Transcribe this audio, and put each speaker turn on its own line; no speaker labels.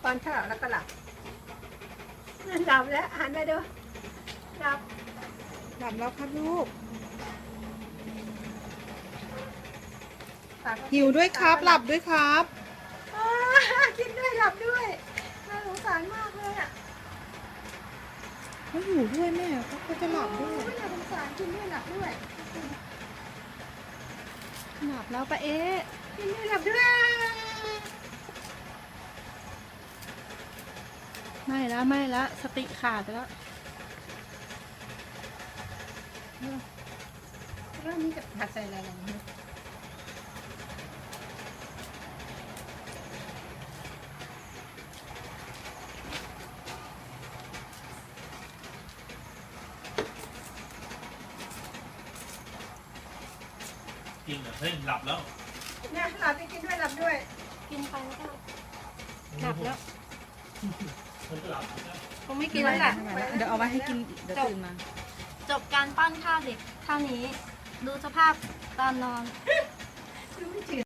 ป้อนข้าวแล้วก็หลับหลับแล้วหันไปดูหลับ
หลับแล้วครับลูกหิวด้วยครับหลับด้วยครับ
กินด้วยหลับด้วยน่าสงสารมากเลยอ่ะ
เขาอยู่ด้วยแม่เขาจะหลับด้วย
น่าสงสารกินด้วยหลับด้วย
หลับแล้วปะเอ๊ะ
กินด้วยหลับด้วย
ไม่แล้วสติขาดไปแล้ว
แล้วนี่จะผัดใส่อะไรลงเนี่ย
กินเหรอเฮ้ยหลับแล้ว
เนี่ยหลับไปกินด้วยหลับด้วย
กินไปแล้วก็หลับแล้ว
มันหลับนะ
คงไม่กินแล้วแหละ
เดี๋ยวเอาไว้ให้กินเดี๋ยวตื่นมา
จบการป้อนข้าวเด็กเท่านี้ ดูสภาพตอนนอน
ดูไม่จืด